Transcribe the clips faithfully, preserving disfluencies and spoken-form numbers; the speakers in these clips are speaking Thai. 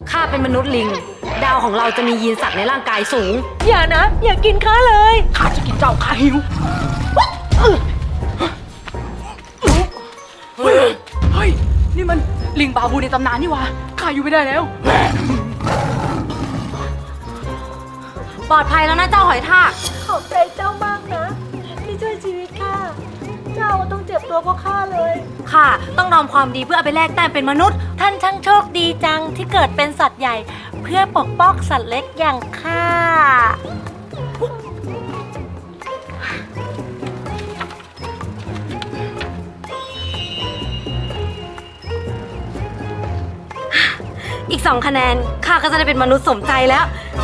ข้าเป็นมนุษย์ลิง ดาวของเราจะมียีนสัตว์ในร่างกายสูงอย่านะ อย่ากินข้าเลยข้าจะกินเจ้าข้าหิวเฮ้ยเฮ้ยนี่มันลิงบาบูในตำนานนี่วะข้าอยู่ไม่ได้แล้วปลอดภัยแล้วนะเจ้าหอยทากขอบใจเจ้ามากนะที่ช่วยชีวิตข้าเจ้าต้องเจ็บตัวเพราะข้าเลยข้าต้องทำความดีเพื่อเอาไปแลกแต้มเป็นมนุษย์ท่านช่างโชคดีจังที่เกิดเป็นสัตว์ใหญ่ เพื่อปกป้องสัตว์เล็กอย่างข้าอีกสองคะแนนข้าก็จะได้เป็นมนุษย์สมใจแล้ว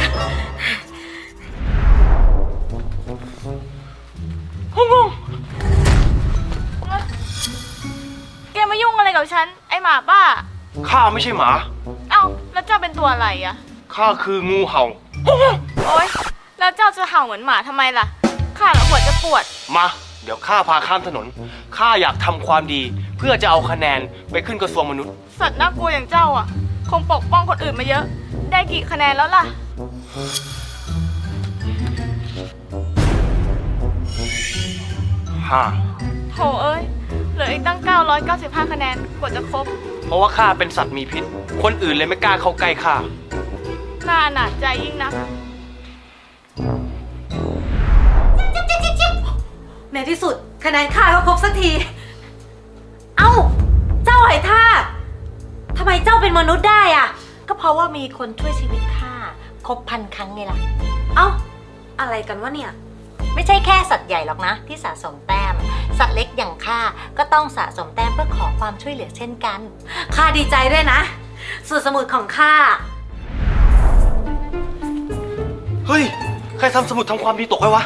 แกมายุ่งอะไรกับฉัน ไอหมาบ้าข้าไม่ใช่หมาเอ้า แล้วเจ้าเป็นตัวอะไรอะข้าคืองูเห่าโอ๊ย แล้วเจ้าจะเห่าเหมือนหมาทำไมล่ะ ข้าละหัวจะปวดมา เดี๋ยวข้าพาข้ามถนน ข้าอยากทำความดี เพื่อจะเอาคะแนนไปขึ้นกระทรวงมนุษย์สัตว์น่ากลัวอย่างเจ้าอะคงปกป้องคนอื่นมาเยอะ ได้กี่คะแนนแล้วล่ะห้าโถเอ้ย เหลืออีกตั้งเก้าร้อยเก้าสิบห้าคะแนนกว่าจะครบเพราะว่าข้าเป็นสัตว์มีพิษ คนอื่นเลยไม่กล้าเข้าใกล้ข้าน่าอนาจใจยิ่งนักในที่สุดคะแนนข้าก็ครบสักที เอ้า เจ้าหอยทากทำไมเจ้าเป็นมนุษย์ได้อะก็เพราะว่ามีคนช่วยชีวิตข้าครบพันครั้งไงล่ะเอ้า อะไรกันวะเนี่ยไม่ใช่แค่สัตว์ใหญ่หรอกนะที่สะสมแต้ม สัตว์เล็กอย่างข้าก็ต้องสะสมแต้มเพื่อขอความช่วยเหลือเช่นกันข้าดีใจด้วยนะสูตรสมุดของข้าเฮ้ย ใครทำสมุดทำความดีตกไว้วะ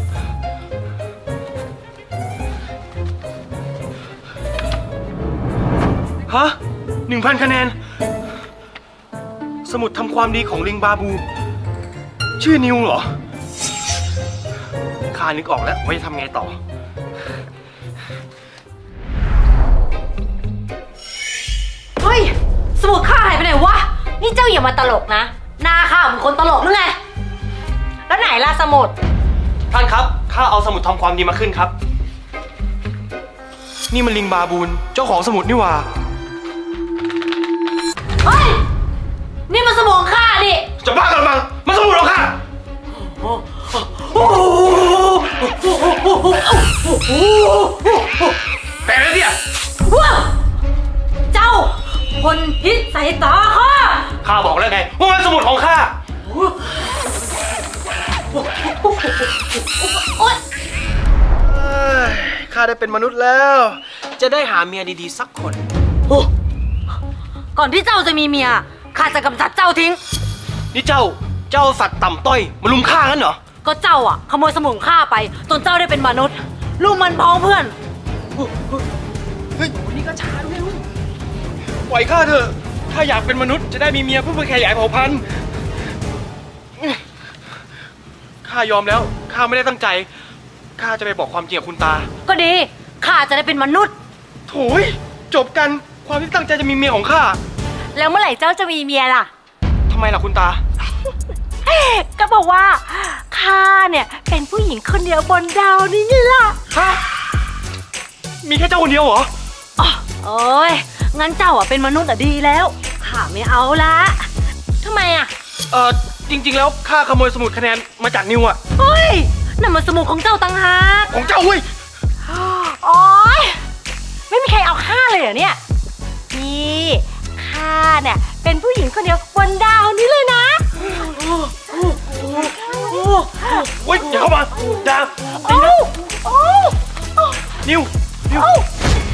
ฮะหนึ่งพันคะแนน สมุดทำความดีของลิงบาบู ชื่อนิวเหรอ ข้านึกออกแล้วว่าจะทำไงต่อเฮ้ย สมุดข้าหายไปไหนวะ นี่เจ้าอย่ามาตลกนะหน้าข้าเหมือนคนตลกหรือไงแล้วไหนล่ะสมุดท่านครับ ข้าเอาสมุดทำความดีมาขึ้นครับ นี่มันลิงบาบูน เจ้าของสมุดนี่หว่าเฮ้ย นี่มันสมุดของข้าดิจะบ้ากันมั้งมันสมุดของข้า แต่แล้วเนี่ยว้าวเจ้าคนพิษใส่ตาข้าข้าบอกแล้วไงว่ามันสมุดของข้าโอ๊ยข้าได้เป็นมนุษย์แล้ว จะได้หาเมียดีๆสักคนก่อนที่เจ้าจะมีเมียข้าจะกำจัดเจ้าทิ้งนี่เจ้า เจ้าสัตว์ต่ำต้อยมาลุมฆ่ากันเหรอก็เจ้าอ่ะขโมยสมุนข้าไปจนเจ้าได้เป็นมนุษย์ ลูกมันพ้องเพื่อนเฮ้ยวันนี้ก็ช้าด้วยลูกปล่อยข้าเถอะ ถ้าอยากเป็นมนุษย์จะได้มีเมียเพื่อขยายเผ่าพันธุ์ ข้ายอมแล้ว ข้าไม่ได้ตั้งใจ ข้าจะไปบอกความจริงกับคุณตาก็ดีข้าจะได้เป็นมนุษย์โถ่ยจบกัน ความที่ตั้งใจจะมีเมียของข้าแล้วเมื่อไหร่เจ้าจะมีเมียล่ะทำไมล่ะคุณตาก็บอกว่าข้าเนี่ยเป็นผู้หญิงคนเดียวบนดาวนี้ไงล่ะฮะ มีแค่เจ้าคนเดียวเหรอโอ้ยงั้นเจ้าอ่ะเป็นมนุษย์อ่ะดีแล้วข้าไม่เอาละทำไมอ่ะเออจริง ๆ แล้วข้าขโมยสมุดคะแนนมาจากนิวอะเฮ้ยนั่นมันสมุนของเจ้าต่างหากของเจ้าเว้ยโอ๊ยไม่มีใครเอาข้าเลยเหรอเนี่ย นี่ข้าเนี่ยเป็นผู้หญิงคนเดียวบนดาวนี้เลยนะเว้ยอย่าเข้ามาอย่าโอ้โอ้นิว นิว